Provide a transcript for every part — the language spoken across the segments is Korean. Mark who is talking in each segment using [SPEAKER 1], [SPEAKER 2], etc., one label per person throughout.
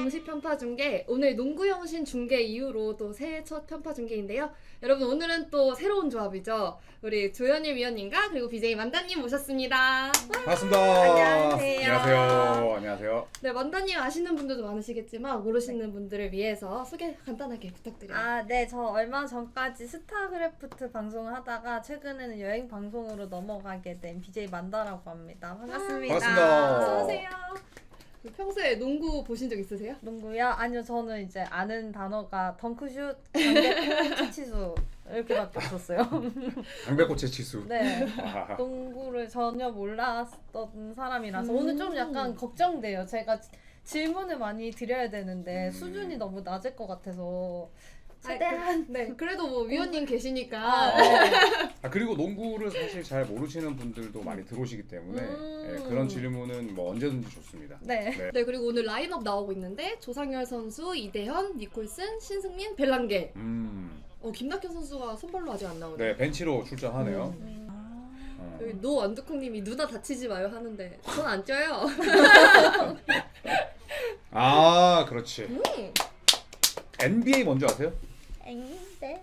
[SPEAKER 1] 정식 편파 중계, 오늘 농구 영신 중계 이후로 또 새해 첫 편파 중계인데요. 여러분 오늘은 또 새로운 조합이죠. 우리 조현일 위원님과 그리고 BJ 만다님 모셨습니다.
[SPEAKER 2] 반갑습니다.
[SPEAKER 1] 안녕하세요.
[SPEAKER 2] 안녕하세요. 안녕하세요.
[SPEAKER 1] 네, 만다님 아시는 분들도 많으시겠지만 모르시는 분들을 위해서 소개 간단하게 부탁드려요.
[SPEAKER 3] 네, 저 얼마 전까지 스타크래프트 방송을 하다가 최근에는 여행 방송으로 넘어가게 된 BJ 만다라고 합니다. 반갑습니다.
[SPEAKER 2] 반갑습니다.
[SPEAKER 1] 어서오세요. 평소에 농구 보신 적 있으세요?
[SPEAKER 3] 농구요? 아니요, 저는 이제 아는 단어가 덩크슛, 강백호, 치치수 이렇게밖에 없었어요.
[SPEAKER 2] 강백호체 치수.
[SPEAKER 3] 네, 농구를 전혀 몰랐던 사람이라서 오늘 좀 약간 걱정돼요. 제가 질문을 많이 드려야 되는데 수준이 너무 낮을 것 같아서 최대한
[SPEAKER 1] 네, 그래도 뭐 위원님 계시니까.
[SPEAKER 2] 그리고 농구를 사실 잘 모르시는 분들도 많이 들어오시기 때문에 그런 질문은 뭐 언제든지 좋습니다.
[SPEAKER 3] 네.
[SPEAKER 1] 네, 그리고 오늘 라인업 나오고 있는데 조상열 선수, 이대현, 니콜슨, 신승민, 벨랑게. 김낙현 선수가 선발로 아직 안 나오네요.
[SPEAKER 2] 네, 벤치로 출전하네요.
[SPEAKER 1] 여기 노 완두콩님이 누나 다치지 마요 하는데 전 안 쪄요.
[SPEAKER 2] 아, 그렇지. NBA 뭔지 아세요?
[SPEAKER 3] 네.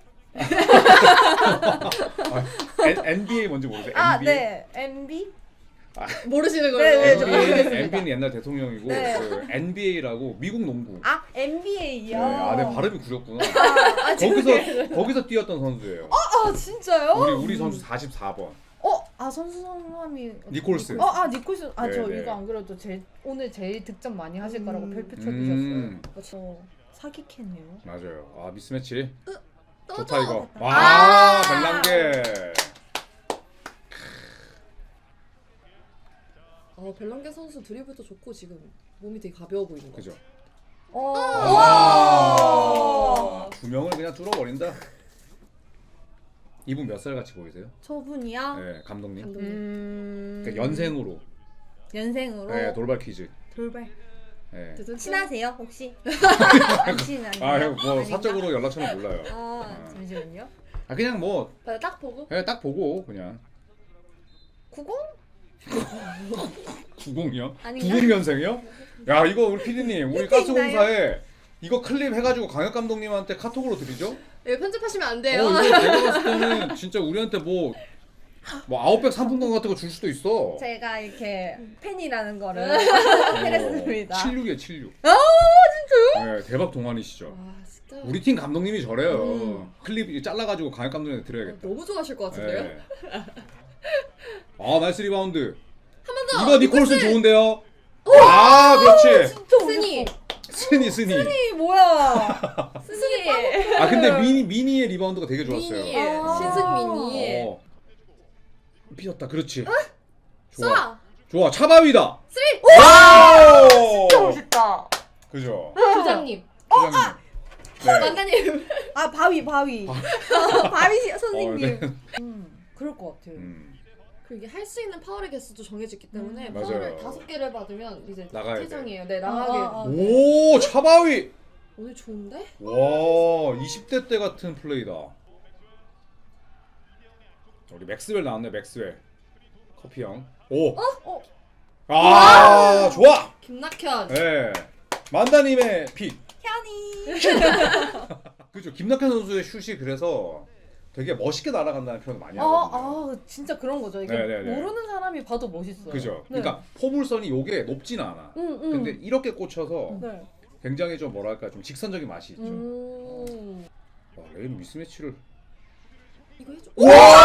[SPEAKER 2] NBA 뭔지 모르세요?
[SPEAKER 3] 네. MB?
[SPEAKER 1] 모르시는 걸로.
[SPEAKER 3] 네, 저
[SPEAKER 2] MB는 옛날 대통령이고
[SPEAKER 3] 네.
[SPEAKER 2] 그 NBA라고 미국 농구.
[SPEAKER 3] NBA요?
[SPEAKER 2] 네, 내 발음이 구렸구나.
[SPEAKER 3] 죄송해요.
[SPEAKER 2] 거기서 뛰었던 선수예요.
[SPEAKER 3] 진짜요?
[SPEAKER 2] 우리 선수 44번.
[SPEAKER 3] 선수 성함이
[SPEAKER 2] 니콜슨.
[SPEAKER 3] 니콜슨. 저
[SPEAKER 2] 네.
[SPEAKER 3] 이거 안 그래도 오늘 제일 득점 많이 하실 거라고 별표 쳐주셨어요. 저 사기캐네요.
[SPEAKER 2] 맞아요. 미스매치.
[SPEAKER 1] 또
[SPEAKER 2] 좋다 이거.
[SPEAKER 3] 됐다.
[SPEAKER 2] 와, 벨랑게.
[SPEAKER 1] 벨랑게 선수 드리블도 좋고 지금 몸이 되게 가벼워 보이는 거.
[SPEAKER 2] 그죠?
[SPEAKER 3] 와.
[SPEAKER 2] 두 명을 그냥 뚫어버린다. 이분 몇 살 같이 보이세요?
[SPEAKER 3] 저분이요?
[SPEAKER 2] 네, 감독님.
[SPEAKER 1] 감독님.
[SPEAKER 2] 그러니까 연생으로.
[SPEAKER 3] 연생으로.
[SPEAKER 2] 네, 돌발 퀴즈.
[SPEAKER 3] 돌발.
[SPEAKER 2] 네.
[SPEAKER 3] 친하세요 혹시? 안 친한가요?
[SPEAKER 2] 형, 뭐
[SPEAKER 3] 아닌가?
[SPEAKER 2] 사적으로 연락처는 몰라요.
[SPEAKER 3] 잠시만요.
[SPEAKER 2] 그냥 뭐
[SPEAKER 1] 딱 보고.
[SPEAKER 2] 그냥 딱 보고 그냥
[SPEAKER 3] 90?
[SPEAKER 2] 90이요?
[SPEAKER 3] 아닌가?
[SPEAKER 2] 90년생이요? 야, 이거 우리 PD님, 우리
[SPEAKER 3] 있나요?
[SPEAKER 2] 가스공사에 이거 클립 해가지고 강혁 감독님한테 카톡으로 드리죠?
[SPEAKER 1] 네, 편집하시면 안 돼요.
[SPEAKER 2] 이거 내가 봤을 때는 진짜 우리한테 뭐 아웃백 상품권 같은 거 줄 수도 있어.
[SPEAKER 3] 제가 이렇게 팬이라는 거를
[SPEAKER 2] 어,
[SPEAKER 3] 해냈습니다.
[SPEAKER 2] 76이에요, 76.
[SPEAKER 3] 진짜요?
[SPEAKER 2] 네, 대박 동안이시죠.
[SPEAKER 1] 와, 진짜.
[SPEAKER 2] 우리 팀 감독님이 저래요. 클립 잘라가지고 강혁 감독님한테 드려야겠다.
[SPEAKER 1] 너무 좋아하실 것 같은데요?
[SPEAKER 2] 네. 나이스 리바운드.
[SPEAKER 1] 한 번 더.
[SPEAKER 2] 이거 니콜슨 좋은데요? 그렇지.
[SPEAKER 1] 스니.
[SPEAKER 2] 스니.
[SPEAKER 3] 이 뭐야?
[SPEAKER 1] 스니.
[SPEAKER 2] 근데 미니의 리바운드가 되게 좋았어요.
[SPEAKER 1] 미니. 신승민이.
[SPEAKER 2] 삐졌다. 그렇지.
[SPEAKER 1] 쏴.
[SPEAKER 2] 좋아. 차바위다.
[SPEAKER 1] 쓰리.
[SPEAKER 2] 와우!
[SPEAKER 3] 진짜 멋있다.
[SPEAKER 2] 그죠?
[SPEAKER 1] 부장님.
[SPEAKER 2] 부장님. 네.
[SPEAKER 1] 만다님.
[SPEAKER 3] 바위. 바위 선생님.
[SPEAKER 2] 네.
[SPEAKER 3] 그럴 것 같아요.
[SPEAKER 1] 이게 할 수 있는 파울의 개수도 정해졌기 때문에
[SPEAKER 2] 맞아요.
[SPEAKER 1] 파울을 5개를 받으면 이제
[SPEAKER 2] 나가야 돼.
[SPEAKER 1] 퇴장이에요. 네, 나가게.
[SPEAKER 2] 오, 차바위.
[SPEAKER 1] 오늘 좋은데?
[SPEAKER 2] 와, 20대 때 같은 플레이다. 우리 맥스웰 나왔네, 맥스웰. 커피 형. 오. 좋아.
[SPEAKER 1] 김낙현.
[SPEAKER 2] 네. 만다님의 픽.
[SPEAKER 3] 현이.
[SPEAKER 2] 그죠. 김낙현 선수의 슛이 그래서 되게 멋있게 날아간다는 표현을 많이 하거든요.
[SPEAKER 3] 진짜 그런 거죠. 이게
[SPEAKER 2] 네네네.
[SPEAKER 3] 모르는 사람이 봐도 멋있어요.
[SPEAKER 2] 그죠.
[SPEAKER 3] 네.
[SPEAKER 2] 그러니까 포물선이 요게 높지는 않아. 근데 이렇게 꽂혀서
[SPEAKER 3] 네.
[SPEAKER 2] 굉장히 좀 뭐랄까 좀 직선적인 맛이 있죠. 레인 미스매치를.
[SPEAKER 1] 이거 해줘.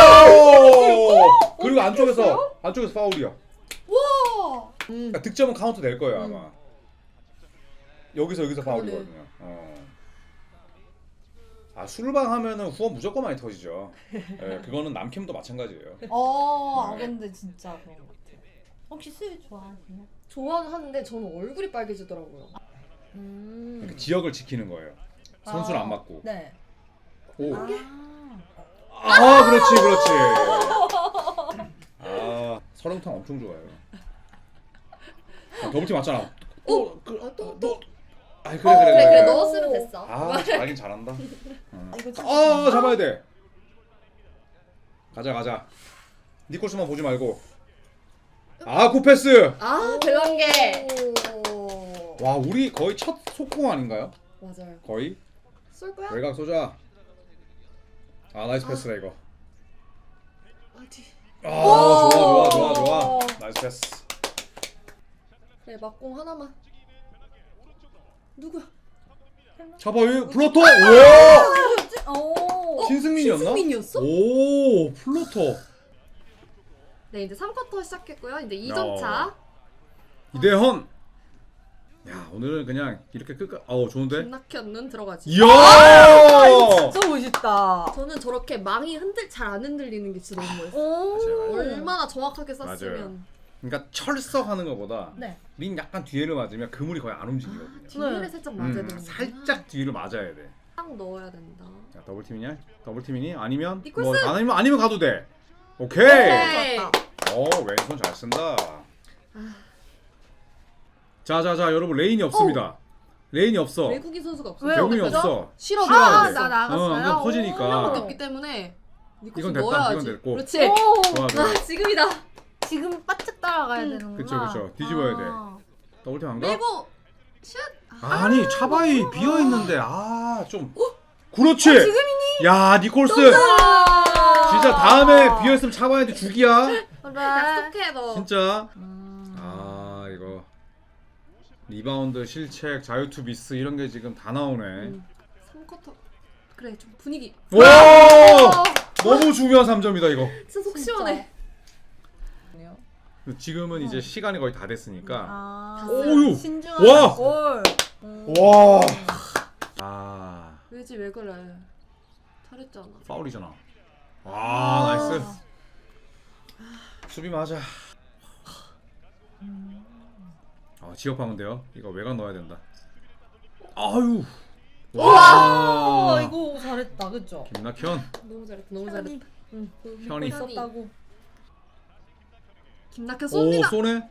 [SPEAKER 2] 와! 그리고 안쪽에서 파울이야.
[SPEAKER 1] 와.
[SPEAKER 2] 그러니까 득점은 카운트 될 거예요 아마. 여기서 파울이거든요. 술방 하면은 후원 무조건 많이 터지죠. 네, 그거는 남캠도 마찬가지예요.
[SPEAKER 3] 근데 진짜 그런 것 같아요. 혹시 술 좋아하세요?
[SPEAKER 1] 좋아하는데 저는 얼굴이 빨개지더라고요.
[SPEAKER 2] 그러니까 지역을 지키는 거예요. 선수를 안 맞고.
[SPEAKER 3] 네.
[SPEAKER 2] 오. 그렇지. 설렁탕 엄청 좋아해요. 더블팀 맞잖아.
[SPEAKER 1] 또.
[SPEAKER 2] 그래.
[SPEAKER 1] 넣었으면 됐어.
[SPEAKER 2] 잘하긴 잘한다.
[SPEAKER 3] 이거
[SPEAKER 2] 잡아야 돼. 가자. 니콜스만 보지 말고. 굿패스.
[SPEAKER 1] 벨랑게.
[SPEAKER 2] 와 우리 거의 첫 속공 아닌가요?
[SPEAKER 1] 맞아요.
[SPEAKER 2] 거의
[SPEAKER 1] 쏠 거야?
[SPEAKER 2] 외곽 쏘자. 아 나이스 패스다 이거.
[SPEAKER 1] 아디.
[SPEAKER 2] 아 좋아. 나이스 패스.
[SPEAKER 1] 그래 막공 하나만. 누구야?
[SPEAKER 2] 잡아요 플로터. 우와.
[SPEAKER 3] 오.
[SPEAKER 2] 신승민이었나?
[SPEAKER 1] 신승민이었어?
[SPEAKER 2] 오 플로터.
[SPEAKER 1] 네 이제 3쿼터 시작했고요. 이제 2점 차.
[SPEAKER 2] 이대헌. 야 오늘은 그냥 이렇게 끝까. 좋은데.
[SPEAKER 1] 김낙현 눈 들어가지.
[SPEAKER 2] 이야.
[SPEAKER 3] 진짜 멋있다.
[SPEAKER 1] 저는 저렇게 망이 잘 안 흔들리는 게 진짜 너무 멋있어요.
[SPEAKER 3] 오.
[SPEAKER 2] 맞아요.
[SPEAKER 1] 얼마나 정확하게
[SPEAKER 2] 맞아요.
[SPEAKER 1] 쐈으면.
[SPEAKER 2] 그러니까 철석하는 것보다
[SPEAKER 3] 네.
[SPEAKER 2] 린 약간 뒤를 맞으면 그물이 거의 안 움직이거든요.
[SPEAKER 1] 뒤를
[SPEAKER 3] 네.
[SPEAKER 1] 살짝 맞아야 되는
[SPEAKER 2] 살짝 뒤를 맞아야 돼.
[SPEAKER 1] 딱 넣어야 된다.
[SPEAKER 2] 자 더블 팀이냐? 더블 팀이니? 아니면
[SPEAKER 1] 니콜슨!
[SPEAKER 2] 아니면 가도 돼. 오케이.
[SPEAKER 1] 오케이.
[SPEAKER 2] 왼손 잘 쓴다. 자자자 여러분 레인이 없습니다. 레인이 없어.
[SPEAKER 1] 외국인 선수가 없어.
[SPEAKER 3] 왜요?
[SPEAKER 2] 외국인이
[SPEAKER 3] 그죠?
[SPEAKER 2] 없어.
[SPEAKER 1] 싫어.
[SPEAKER 2] 싫어야 돼.
[SPEAKER 3] 나 나갔어요.
[SPEAKER 2] 안 그럼 터지니까.
[SPEAKER 1] 한 명밖에 없기 때문에 니콜슨
[SPEAKER 2] 이건 됐다,
[SPEAKER 1] 넣어야지.
[SPEAKER 2] 이건 됐고.
[SPEAKER 1] 그렇지.
[SPEAKER 2] 좋아 좋아.
[SPEAKER 1] 아 지금이다.
[SPEAKER 3] 지금 바짝 따라가야 되는구나.
[SPEAKER 2] 그쵸. 뒤집어야 돼. 더블 팀 안 가?
[SPEAKER 1] 밀고 슛.
[SPEAKER 2] 아니 차바이 비어 있는데 좀. 그렇지.
[SPEAKER 3] 지금이니?
[SPEAKER 2] 야 니콜스. 진짜 다음에 비어 있으면 차바이한테 죽이야.
[SPEAKER 3] 그래.
[SPEAKER 1] 약속해 너.
[SPEAKER 2] 진짜. 이거 리바운드 실책 자유투 미스 이런 게 지금 다 나오네.
[SPEAKER 1] 3쿼터. 그래 좀 분위기.
[SPEAKER 2] 와 너무 중요한 3점이다 이거.
[SPEAKER 1] 진짜 속 시원해.
[SPEAKER 2] 지금은 이제 시간이 거의 다 됐으니까.
[SPEAKER 3] 오유.
[SPEAKER 2] 와!
[SPEAKER 3] 신중한 골.
[SPEAKER 2] 와.
[SPEAKER 1] 왜지 왜 그래? 잘했잖아.
[SPEAKER 2] 파울이잖아. 나이스. 수비 맞아. 지역하면 돼요. 이거 외곽 넣어야 된다. 아유.
[SPEAKER 3] 와, 이거 잘했다, 그죠?
[SPEAKER 2] 김낙현.
[SPEAKER 1] 너무 잘했다. 너무 잘했다.
[SPEAKER 2] 현이.
[SPEAKER 3] 있었다고.
[SPEAKER 1] 김낙현
[SPEAKER 2] 오
[SPEAKER 1] 쏩니다.
[SPEAKER 2] 쏘네.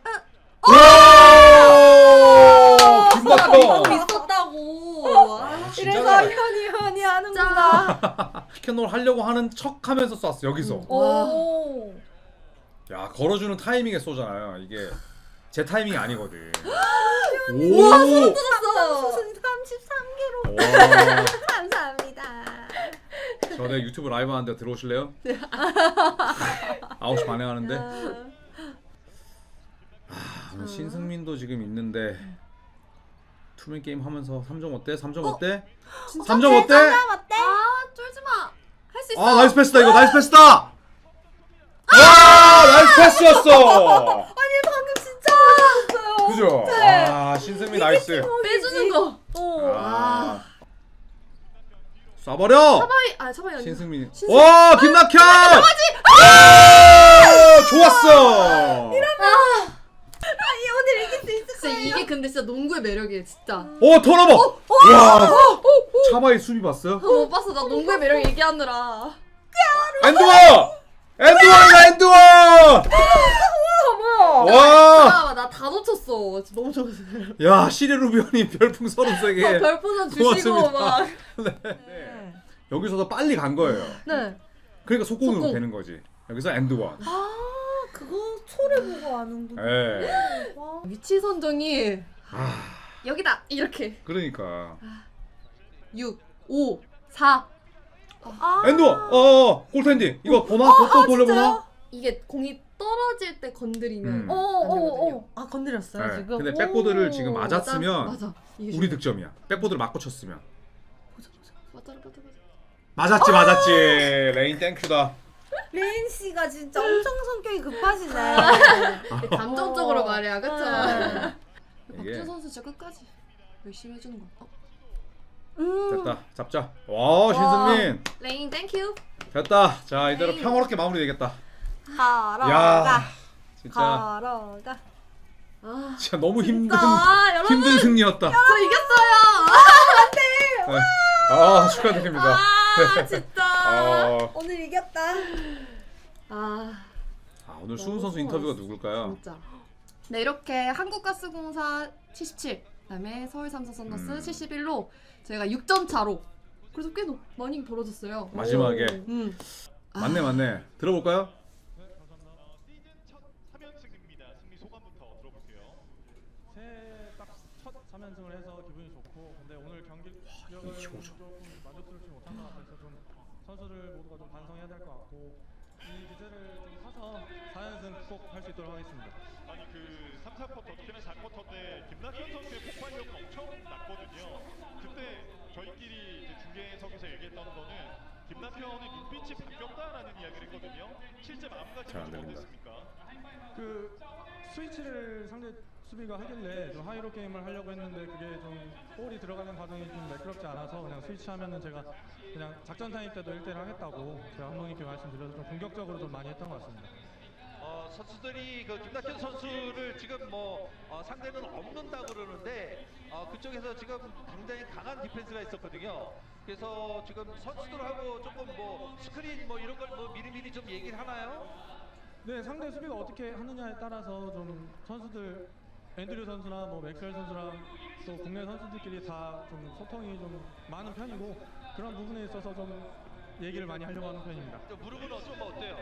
[SPEAKER 3] 이거
[SPEAKER 2] 김낙현.
[SPEAKER 3] 있었다고.
[SPEAKER 2] 진짜
[SPEAKER 3] 이래서 현이 하는구나.
[SPEAKER 2] 피켓놀 하려고 하는 척하면서 쐈어 여기서.
[SPEAKER 3] 오.
[SPEAKER 2] 야 걸어주는 타이밍에 쏘잖아요. 이게 제 타이밍이 아니거든.
[SPEAKER 3] 우와, 소름 돋았어. 수순 33kg.
[SPEAKER 2] 와.
[SPEAKER 3] 감사합니다.
[SPEAKER 2] 전에 유튜브 라이브 하는데 들어오실래요? 9시 반에 하는데. 오늘 신승민도 지금 있는데 투맨 게임 하면서 3점 어때? 3점 어때? 3점 어때?
[SPEAKER 1] 쫄지 마. 할 수 있어.
[SPEAKER 2] 나이스 패스다 이거 나이스 패스다. 나이스 패스였어.
[SPEAKER 3] 아니, 방금 진짜 잘했어요.
[SPEAKER 2] 그죠? 신승민 나이스.
[SPEAKER 1] 빼주는 거.
[SPEAKER 2] 쏴버려.
[SPEAKER 1] 차바이 아니야.
[SPEAKER 2] 신승민. 와 김낙현. 좋았어.
[SPEAKER 3] 아니, 오늘 이길 수 있을
[SPEAKER 1] 진짜 이게 근데 진짜 농구의 매력이에요, 진짜.
[SPEAKER 2] 턴오버. 와. 차바이 수비 봤어요?
[SPEAKER 1] 못 봤어. 나 농구의 매력 얘기하느라.
[SPEAKER 2] 엔드원이다 엔드원. 와.
[SPEAKER 1] 나 다 놓쳤어. 진짜 너무 좋았어.
[SPEAKER 2] 야 시리 루비언이 별풍 33개.
[SPEAKER 1] 별풍선 주시고
[SPEAKER 2] 고맙습니다.
[SPEAKER 1] 막.
[SPEAKER 2] 네. 여기서도 빨리 간 거예요.
[SPEAKER 3] 네.
[SPEAKER 2] 그러니까 속공으로
[SPEAKER 1] 속공.
[SPEAKER 2] 되는 거지. 여기서 엔드원.
[SPEAKER 3] 그거 초를 보고 아는구나.
[SPEAKER 2] 예.
[SPEAKER 3] 와.
[SPEAKER 1] 위치 선정이 여기다 이렇게
[SPEAKER 2] 그러니까
[SPEAKER 1] 6, 5, 4
[SPEAKER 2] 엔드원. 골텐디. 이거 보나? 또 돌려보나?
[SPEAKER 1] 이게 공이 떨어질 때 건드리면
[SPEAKER 2] 음.
[SPEAKER 1] 안 되거든요.
[SPEAKER 3] 건드렸어요,
[SPEAKER 2] 네.
[SPEAKER 3] 지금?
[SPEAKER 2] 근데 백보드를
[SPEAKER 3] 오.
[SPEAKER 2] 지금 맞았으면
[SPEAKER 1] 맞아. 이게
[SPEAKER 2] 우리 득점이야. 백보드를 맞고 쳤으면.
[SPEAKER 1] 맞아. 맞아.
[SPEAKER 2] 맞았지. 레인 땡큐다.
[SPEAKER 3] 레인 씨가 진짜 엄청 성격이 급하시네.
[SPEAKER 1] 감정적으로 말이야, 그쵸?
[SPEAKER 3] 네.
[SPEAKER 2] 이게
[SPEAKER 1] 박준 선수 진짜 끝까지 열심히 해주는 거.
[SPEAKER 2] 됐다. 잡자. 와 신승민.
[SPEAKER 1] 레인 땡큐.
[SPEAKER 2] 됐다. 자 이대로
[SPEAKER 1] 레인.
[SPEAKER 2] 평화롭게 마무리되겠다.
[SPEAKER 3] 걸어가.
[SPEAKER 2] 야 진짜
[SPEAKER 3] 걸어가.
[SPEAKER 2] 진짜 너무 힘든
[SPEAKER 1] 여러분
[SPEAKER 2] 힘든 승리였다.
[SPEAKER 1] 저 이겼어요.
[SPEAKER 2] 네. 축하드립니다.
[SPEAKER 1] 진짜.
[SPEAKER 3] 오늘 이겼다.
[SPEAKER 2] 오늘 수훈 선수 인터뷰가 누굴까요?
[SPEAKER 1] 진짜. 네 이렇게 한국가스공사 77, 그다음에 서울삼성 썬더스 71로 저희가 6점 차로 그래서 꽤 많이 벌어졌어요.
[SPEAKER 2] 마지막에
[SPEAKER 1] 오.
[SPEAKER 2] 맞네. 들어볼까요?
[SPEAKER 4] 삼연승입니다. 승리 소감부터 들어볼게요. 새해딱첫 3연승 좀 반성해야 될 것 같고 이 주제를 좀 사서 4연승 꼭 할 수 있도록 하겠습니다.
[SPEAKER 5] 아니 그 3, 4쿼터 특히나 4쿼터 때 김낙현 선수의 폭발력은 엄청 났거든요. 그때 저희끼리 이제 중계석에서 얘기했던 거는 김낙현의 눈빛이 바뀌었다라는 이야기를 했거든요. 실제
[SPEAKER 2] 잘안
[SPEAKER 5] 마음가짐이 좀
[SPEAKER 2] 들린다.
[SPEAKER 5] 어땠습니까?
[SPEAKER 4] 그 스위치를 상대 수비가 하길래 좀 하이로 게임을 하려고 했는데 그게 좀 볼이 들어가는 과정이 좀 매끄럽지 않아서 그냥 스위치하면은 제가 그냥 작전 타임 때도 1대1 하겠다고 제가 감독님께 말씀드려서 좀 공격적으로 좀 많이 했던 것 같습니다.
[SPEAKER 6] 선수들이 그 김낙현 선수를 지금 상대는 없는다 그러는데 그쪽에서 지금 굉장히 강한 디펜스가 있었거든요. 그래서 지금 선수들하고 조금 스크린 이런 걸 미리미리 좀 얘기를 하나요?
[SPEAKER 4] 네, 상대 수비가 어떻게 하느냐에 따라서 좀 선수들 앤드류 선수나 맥스웰 선수랑 또 국내 선수들끼리 다 좀 소통이 좀 많은 편이고 그런 부분에 있어서 좀 얘기를 많이 하려고 하는 편입니다.
[SPEAKER 6] 무릎은 좀 어때요?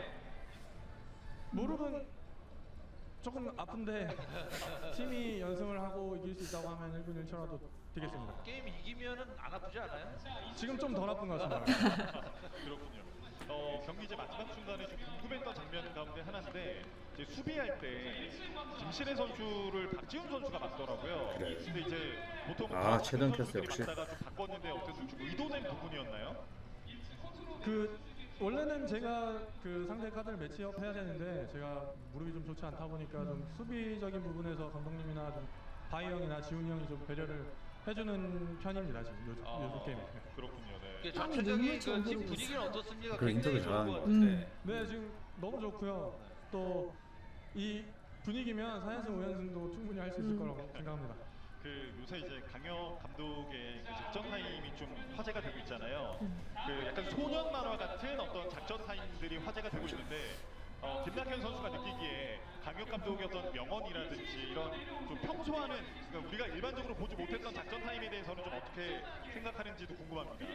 [SPEAKER 4] 무릎은 조금 아픈데 팀이 연승을 하고 이길 수 있다고 하면 1분 1초라도 뛰겠습니다.
[SPEAKER 6] 게임 이기면은 안 아프지 않아요?
[SPEAKER 4] 지금 좀 덜 아픈 것 같습니다.
[SPEAKER 5] 그렇군요. 경기 이제 마지막 순간에 좀 궁금했던 장면 가운데 하나인데 이제 수비할 때 김신혜 선수를 박지훈 선수가 맞더라고요.
[SPEAKER 2] 그래.
[SPEAKER 5] 근데 이제 보통
[SPEAKER 2] 최던 캐스터 역시.
[SPEAKER 5] 맞다가 좀 바꿨는데 어쨌든 좀 의도된 부분이었나요?
[SPEAKER 4] 그 원래는 제가 그 상대 카드를 매치업 해야 되는데 제가 무릎이 좀 좋지 않다 보니까 좀 수비적인 부분에서 감독님이나 좀 바이 형이나 지훈이 형이 좀 배려를 해주는 편입니다 지금 요즘 게임에.
[SPEAKER 5] 그렇군요. 네.
[SPEAKER 6] 그 전체적인 지금 분위기는 어떻습니까?
[SPEAKER 2] 그 인터뷰
[SPEAKER 6] 굉장히 좋은
[SPEAKER 2] 잘하는
[SPEAKER 6] 것
[SPEAKER 2] 것
[SPEAKER 6] 같은데.
[SPEAKER 4] 네 지금 너무 좋고요. 또 이 분위기면 4연승 5연승도 충분히 할 수 있을 거라고 생각합니다.
[SPEAKER 5] 그 요새 이제 강혁 감독의 그 작전 타임이 좀 화제가 되고 있잖아요. 그 약간 소년 만화 같은 어떤 작전 타임들이 화제가 되고 있는데 김낙현 선수가 느끼기에 강혁 감독의 어떤 명언이라든지 이런 좀 평소와는 그러니까 우리가 일반적으로 보지 못했던 작전 타임에 대해서는 좀 어떻게 생각하는지도 궁금합니다.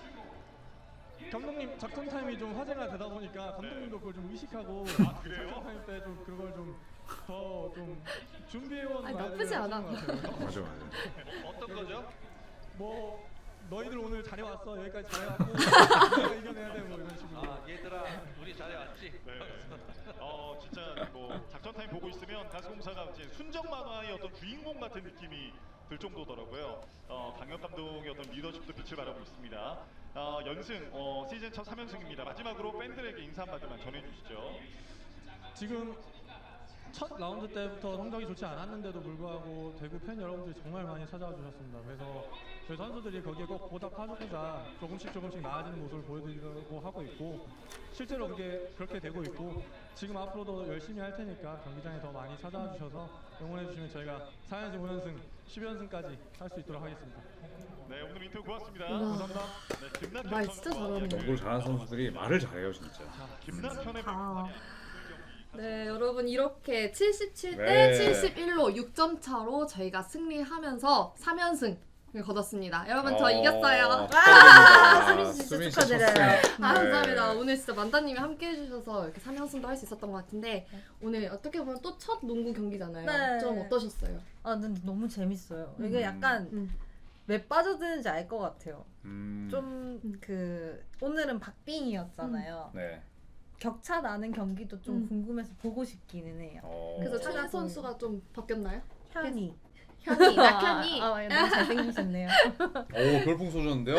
[SPEAKER 4] 감독님 작전 타임이 좀 화제가 되다 보니까 감독님도 그걸 좀 의식하고
[SPEAKER 5] 그래요?
[SPEAKER 4] 작전 타임 때 좀 그걸 좀 더 좀 준비해온
[SPEAKER 1] 아니,
[SPEAKER 4] 말들을
[SPEAKER 1] 나쁘지 않아.
[SPEAKER 4] 하시는 것 같아요.
[SPEAKER 2] 맞아.
[SPEAKER 6] 어떤 거죠?
[SPEAKER 4] 뭐 너희들 오늘 잘해왔어 여기까지 잘해왔고 우리가 이겨내야 돼 뭐 이런 식으로.
[SPEAKER 6] 얘들아 우리 잘해왔지?
[SPEAKER 5] 네. 진짜 뭐 작전 타임 보고 있으면 가스공사가 이제 순정 만화의 어떤 주인공 같은 느낌이 들 정도더라고요. 강혁 감독의 어떤 리더십도 빛을 발하고 있습니다. 연승 시즌 첫 3연승입니다. 마지막으로 팬들에게 인사 한마디만 전해주시죠.
[SPEAKER 4] 지금 첫 라운드 때부터 성적이 좋지 않았는데도 불구하고 대구 팬 여러분들이 정말 많이 찾아와 주셨습니다. 그래서 저희 선수들이 거기에 꼭 보답하고자 조금씩 나아지는 모습을 보여드리려고 하고 있고 실제로 그렇게 되고 있고 지금 앞으로도 열심히 할 테니까 경기장에 더 많이 찾아와 주셔서 응원해 주시면 저희가 4연승, 5연승, 10연승까지 할 수 있도록 하겠습니다.
[SPEAKER 5] 네, 오늘 인터뷰 고맙습니다.
[SPEAKER 4] 감사합니다.
[SPEAKER 5] 네, 김낙현
[SPEAKER 1] 말 진짜
[SPEAKER 5] 선수와
[SPEAKER 1] 잘하네.
[SPEAKER 5] 이야기를
[SPEAKER 2] 농구를 잘하는 선수들이 말을 잘해요 진짜.
[SPEAKER 5] 김낙현의
[SPEAKER 1] 아. 네, 여러분 이렇게 77대
[SPEAKER 2] 네.
[SPEAKER 1] 71로 6점 차로 저희가 승리하면서 3연승을 거뒀습니다. 여러분 저 이겼어요.
[SPEAKER 2] 축하드립니다.
[SPEAKER 3] 수민 씨 축하드려요.
[SPEAKER 2] 첫 승.
[SPEAKER 1] 아, 감사합니다.
[SPEAKER 2] 네.
[SPEAKER 1] 오늘 진짜 만다님이 함께 해주셔서 이렇게 3연승도 할 수 있었던 것 같은데 오늘 어떻게 보면 또 첫 농구 경기잖아요.
[SPEAKER 3] 네.
[SPEAKER 1] 좀 어떠셨어요?
[SPEAKER 3] 근데 너무 재밌어요. 이게 약간 왜 빠져드는지 알 것 같아요. 좀 오늘은 박빙이었잖아요.
[SPEAKER 2] 네.
[SPEAKER 3] 격차 나는 경기도 좀 궁금해서 보고 싶기는 해요.
[SPEAKER 1] 그래서
[SPEAKER 3] 찾아보는-
[SPEAKER 1] 찬희 선수가 좀 바뀌었나요?
[SPEAKER 3] 현이.
[SPEAKER 1] 현이, 낙현이.
[SPEAKER 3] 너무 잘생기셨네요.
[SPEAKER 2] 오 별풍 쏘셨는데요?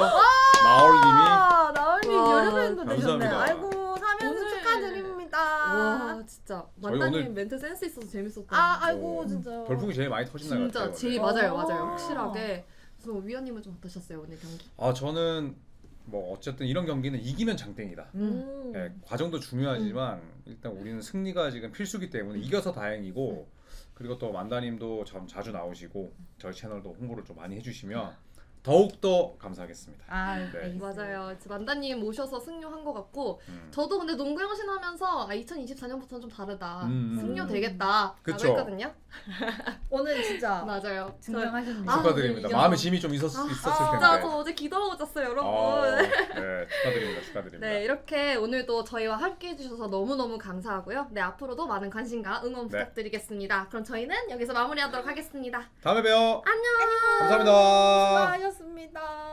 [SPEAKER 2] 나얼님이
[SPEAKER 3] 나얼님
[SPEAKER 1] 와,
[SPEAKER 3] 여름엔도 되셨네요.
[SPEAKER 2] 감사합니다.
[SPEAKER 3] 아이고 3연승
[SPEAKER 1] 오늘-
[SPEAKER 3] 축하드립니다.
[SPEAKER 1] 와 진짜
[SPEAKER 2] 저희
[SPEAKER 1] 만다님
[SPEAKER 2] 오늘-
[SPEAKER 1] 멘트 센스 있어서 재밌었다.
[SPEAKER 3] 아이고
[SPEAKER 2] 오,
[SPEAKER 3] 진짜.
[SPEAKER 2] 별풍이 제일 많이 터진 날
[SPEAKER 1] 진짜
[SPEAKER 2] 같아요.
[SPEAKER 1] 제일
[SPEAKER 2] 오늘.
[SPEAKER 1] 맞아요,
[SPEAKER 3] 오.
[SPEAKER 1] 맞아요. 확실하게. 그래서 위원님은 좀 어떠셨어요 오늘 경기?
[SPEAKER 2] 저는 뭐 어쨌든 이런 경기는 이기면 장땡이다. 네, 과정도 중요하지만 일단 우리는 승리가 지금 필수기 때문에 이겨서 다행이고 그리고 또 만다님도 참 자주 나오시고 저희 채널도 홍보를 좀 많이 해주시면 더욱더 감사하겠습니다. 네.
[SPEAKER 1] 맞아요. 만다님 모셔서 승려한 것 같고
[SPEAKER 2] 음.
[SPEAKER 1] 저도 근데 농구 영신 하면서 2024년부터는 좀 다르다. 승려
[SPEAKER 2] 음.
[SPEAKER 1] 되겠다.
[SPEAKER 2] 그쵸.
[SPEAKER 1] 라고 했거든요.
[SPEAKER 3] 오늘 진짜
[SPEAKER 1] 맞아요.
[SPEAKER 3] 증명하셨네요.
[SPEAKER 1] 아,
[SPEAKER 2] 축하드립니다.
[SPEAKER 1] 오늘
[SPEAKER 2] 마음의
[SPEAKER 1] 이겨서-
[SPEAKER 2] 짐이 좀 있었을
[SPEAKER 1] 진짜
[SPEAKER 2] 텐데.
[SPEAKER 1] 저 어제 기도하고 잤어요, 여러분.
[SPEAKER 2] 네, 축하드립니다. 축하드립니다.
[SPEAKER 1] 네, 이렇게 오늘도 저희와 함께 해주셔서 너무너무 감사하고요. 네, 앞으로도 많은 관심과 응원
[SPEAKER 2] 네.
[SPEAKER 1] 부탁드리겠습니다. 그럼 저희는 여기서 마무리하도록 하겠습니다.
[SPEAKER 2] 다음에 봬요.
[SPEAKER 1] 안녕.
[SPEAKER 2] 감사합니다.
[SPEAKER 3] 수고하셨습니다.